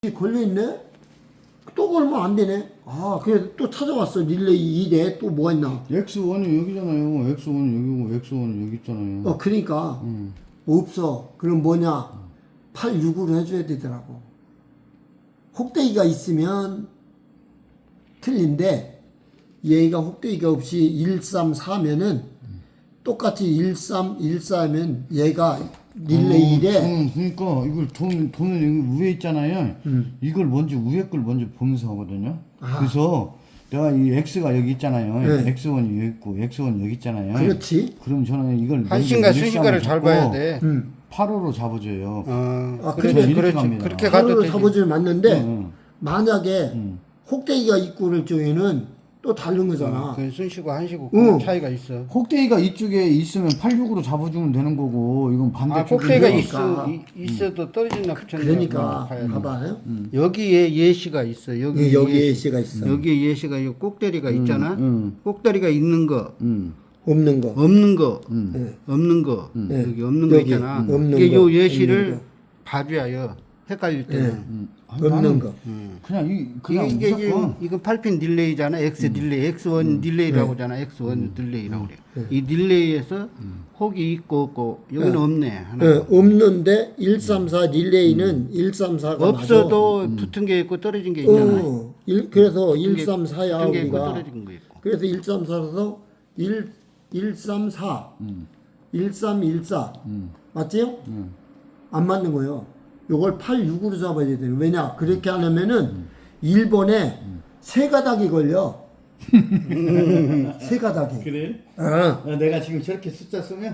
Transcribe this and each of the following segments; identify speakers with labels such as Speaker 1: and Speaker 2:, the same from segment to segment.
Speaker 1: 걸려있네? 또 걸면 안 되네? 아, 그래, 또 찾아왔어. 릴레이 2대 또 뭐가 있나?
Speaker 2: X1이 여기잖아요. X1은 여기고 X1은 여기 있잖아요.
Speaker 1: 그러니까. 없어. 그럼 뭐냐? 8, 6으로 해줘야 되더라고. 혹대기가 있으면 틀린데, 얘가 혹대기가 없이 1, 3, 4면은 똑같이 1, 3, 1, 4면 얘가 릴레이 1에
Speaker 2: 저는 그러니까 이걸 돈은 여기 위에 있잖아요. 이걸 먼저 위에 걸 먼저 보면서 하거든요. 그래서 내가 이 X가 여기 있잖아요.
Speaker 1: 네.
Speaker 2: X1이 여기 있고 X1이 여기 있잖아요.
Speaker 1: 그렇지.
Speaker 2: 그럼 저는 이걸
Speaker 3: 한신과 순신과를 잘 봐야 돼.
Speaker 2: 8호로 잡아줘요.
Speaker 1: 아,
Speaker 2: 그래서
Speaker 1: 근데
Speaker 2: 이렇게
Speaker 3: 그렇지.
Speaker 2: 갑니다.
Speaker 3: 그렇게 가도
Speaker 1: 하루를
Speaker 3: 되지.
Speaker 1: 잡아주면 맞는데,
Speaker 2: 응.
Speaker 1: 만약에 혹대기가 있고 그럴 경우에는 또 다른 거잖아.
Speaker 3: 그 순시고 한시고
Speaker 1: 응.
Speaker 3: 그 차이가 있어.
Speaker 2: 혹대기가 이쪽에 있으면 86으로 잡아주면 되는 거고 이건
Speaker 3: 아,
Speaker 2: 반대쪽에
Speaker 3: 꼭대기가
Speaker 1: 그러니까.
Speaker 3: 있어도 떨어진다 붙였나
Speaker 1: 그러니까,
Speaker 3: 봐야 돼.
Speaker 1: 봐봐요.
Speaker 3: 여기에 예시가 있어. 여기
Speaker 1: 여기에 예시가 있어.
Speaker 3: 여기에 예시가 이 꼭대리가 있잖아. 꼭대리가 있는 거,
Speaker 1: 없는 거.
Speaker 3: 없는 거,
Speaker 1: 네.
Speaker 3: 없는 거,
Speaker 1: 네.
Speaker 3: 여기 없는 거
Speaker 1: 여기,
Speaker 3: 있잖아.
Speaker 1: 없는
Speaker 3: 이게
Speaker 1: 거,
Speaker 3: 요
Speaker 1: 없는
Speaker 3: 예시를
Speaker 1: 거.
Speaker 3: 봐줘야 헷갈릴 때는.
Speaker 1: 없는
Speaker 2: 나는
Speaker 1: 거.
Speaker 2: 그냥
Speaker 3: 이게
Speaker 2: 무조건
Speaker 3: 이건 8핀 딜레이잖아. X 딜레이, X1 딜레이라고 하잖아. X1 딜레이라고 그래. 이 딜레이에서 혹이 있고 없고 여기는 없네. 하나.
Speaker 1: 없는데 1, 3, 4 릴레이는 1, 3, 4가
Speaker 3: 없어도 붙은 게 있고 떨어진 게 있잖아.
Speaker 1: 그래서 1, 3, 4야
Speaker 3: 붙은 게 있고
Speaker 1: 우리가.
Speaker 3: 떨어진 거 있고.
Speaker 1: 그래서 1, 3, 4라서 1, 3, 4. 1, 3, 1, 4. 맞지요? 안 맞는 거예요. 요걸 8, 6으로 잡아야 돼요. 왜냐? 그렇게 안 하면은 1번에 세 가닥이 걸려. 세 가닥이.
Speaker 2: 그래? 내가 지금 저렇게 숫자 쓰면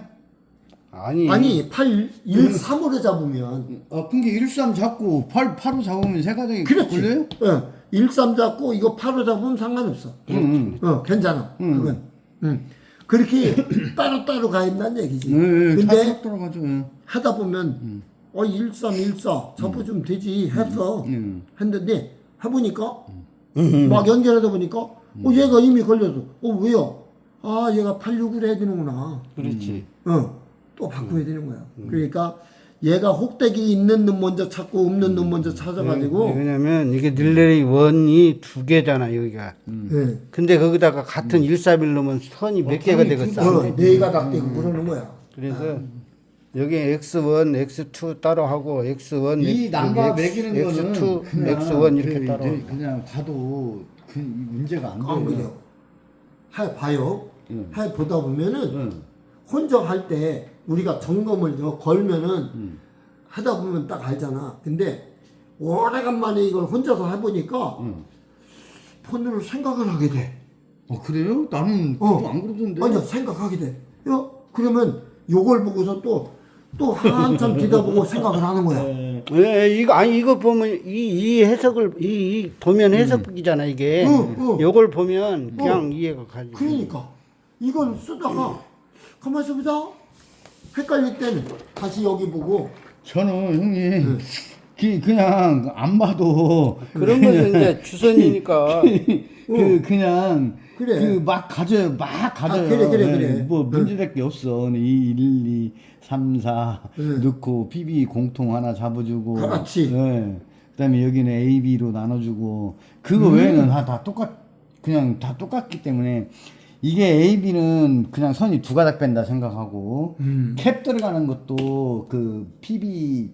Speaker 1: 아니 8, 1, 3으로 잡으면
Speaker 2: 근데 13 잡고 8로 잡으면 세 가닥이
Speaker 1: 그렇지.
Speaker 2: 걸려요?
Speaker 1: 1, 3 잡고 이거 8로 잡으면 상관없어. 괜찮아. 그건. 그렇게 따로따로 가야 된다는 얘기지. 근데
Speaker 2: 다 돌아가죠.
Speaker 1: 하다 보면 1, 3, 1, 4 잡아주면 되지 했어. 했는데 해보니까 막 연결하다 보니까 얘가 이미 걸려서 왜요? 아 얘가 8, 6으로 해야 되는구나.
Speaker 3: 그렇지.
Speaker 1: 또 바꿔야 되는 거야. 그러니까 얘가 혹대기 있는 놈 먼저 찾고 없는 놈 먼저 찾아가지고
Speaker 3: 왜냐면 이게 딜레이 원이 두 개잖아 여기가.
Speaker 1: 예.
Speaker 3: 근데 거기다가 같은 141 넣으면 선이 몇 개가 되겠어.
Speaker 1: 네 가닥 되고 그러는 거야.
Speaker 3: 그래서 여기 X1, X2 따로 하고 X1,
Speaker 2: 이 남바 매기는 거는
Speaker 3: X2,
Speaker 2: 그냥
Speaker 3: X1 이렇게 따로.
Speaker 2: 그냥 봐도 그 문제가 안
Speaker 1: 안
Speaker 2: 돼요.
Speaker 1: 그래요. 봐요. 보다 보면은 혼자 할 때 우리가 점검을 걸면은 하다 보면 딱 알잖아. 근데 오래간만에 이걸 혼자서 해보니까 폰으로 생각을 하게 돼.
Speaker 2: 그래요? 나는 그거 안 그러던데.
Speaker 1: 아니야, 생각하게 돼. 그러면 요걸 보고서 또 한참 뒤다보고 생각을 하는 거야.
Speaker 3: 예, 이거 보면 이 해석을 이 보면 해석이잖아 이게. 요걸 보면 그냥 이해가 가지.
Speaker 1: 그러니까 이걸 쓰다가 가만히 있어보자. 헷갈릴 때는 다시 여기 보고
Speaker 2: 저는 형님 그냥 안 봐도
Speaker 3: 그런 것은 이제 주선이니까.
Speaker 2: 그냥
Speaker 1: 그래.
Speaker 2: 그 막 가져요.
Speaker 1: 그래.
Speaker 2: 뭐 문제될 게 없어. 2, 1, 2, 3, 4 넣고 PB 공통 하나 잡아주고.
Speaker 1: 그렇지.
Speaker 2: 그다음에 여기는 A, B로 나눠주고. 그거 외에는 다 그냥 다 똑같기 때문에 이게 A, B는 그냥 선이 두 가닥 뺀다 생각하고 캡 들어가는 것도 그 PB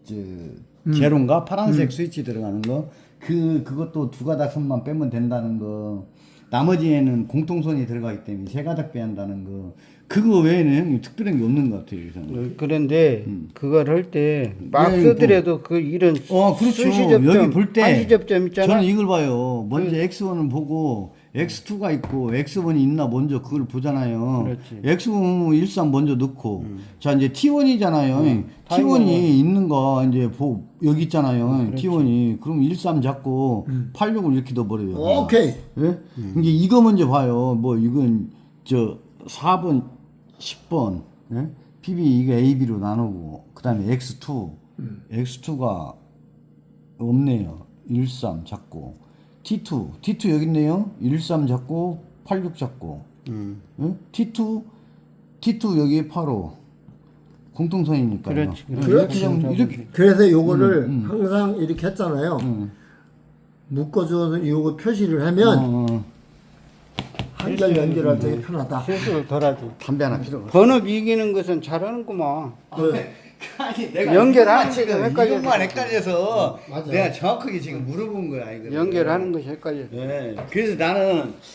Speaker 2: 제로인가 파란색 스위치 들어가는 거 그것도 두 가닥 선만 빼면 된다는 거. 나머지에는 공통선이 들어가기 때문에 세 가닥 빼야 한다는 거. 그거 외에는 특별한 게 없는 것 같아요. 저는.
Speaker 3: 그런데 그걸 할 때 막
Speaker 2: 네,
Speaker 3: 쓰더라도 그 이런
Speaker 2: 그렇죠.
Speaker 3: 수시접점,
Speaker 2: 여기 볼 때
Speaker 3: 한시접점 있잖아.
Speaker 2: 저는 이걸 봐요. 먼저 X1을 보고 X2가 있고 X1이 있나 먼저 그걸 보잖아요.
Speaker 3: 그렇지.
Speaker 2: X1 13 먼저 넣고 자 이제 T1이잖아요. T1이 있는 거 이제 여기 있잖아요. T1이 그럼 13 잡고 86을 이렇게 넣어버려요.
Speaker 1: 오케이.
Speaker 2: 예? 이제 이거 먼저 봐요. 뭐 이건 저 4번, 10번 예? PB 이거 AB로 나누고 그다음에 X2가 없네요. 13 잡고 T2 여기 있네요. 13 잡고 86 잡고 예? T2 여기에 85 공통선이니까.
Speaker 3: 그렇지,
Speaker 2: 이렇게 좀 이렇게
Speaker 1: 그래서 요거를 항상 이렇게 했잖아요. 묶어줘서 요거 표시를 하면
Speaker 2: 어,
Speaker 1: 한결 연결할 때 편하다.
Speaker 3: 실수를 덜하지.
Speaker 2: 담배 하나 필요 없어.
Speaker 3: 번역 이기는 것은 잘하는구만.
Speaker 1: 네.
Speaker 2: 아니 내가
Speaker 3: 연결하는
Speaker 2: 지금
Speaker 3: 게 헷갈려서.
Speaker 2: 이것만 헷갈려서
Speaker 1: 맞아.
Speaker 2: 내가 정확하게 지금 물어본 거야 이거.
Speaker 3: 연결하는 것이 헷갈려.
Speaker 2: 네. 그래서 나는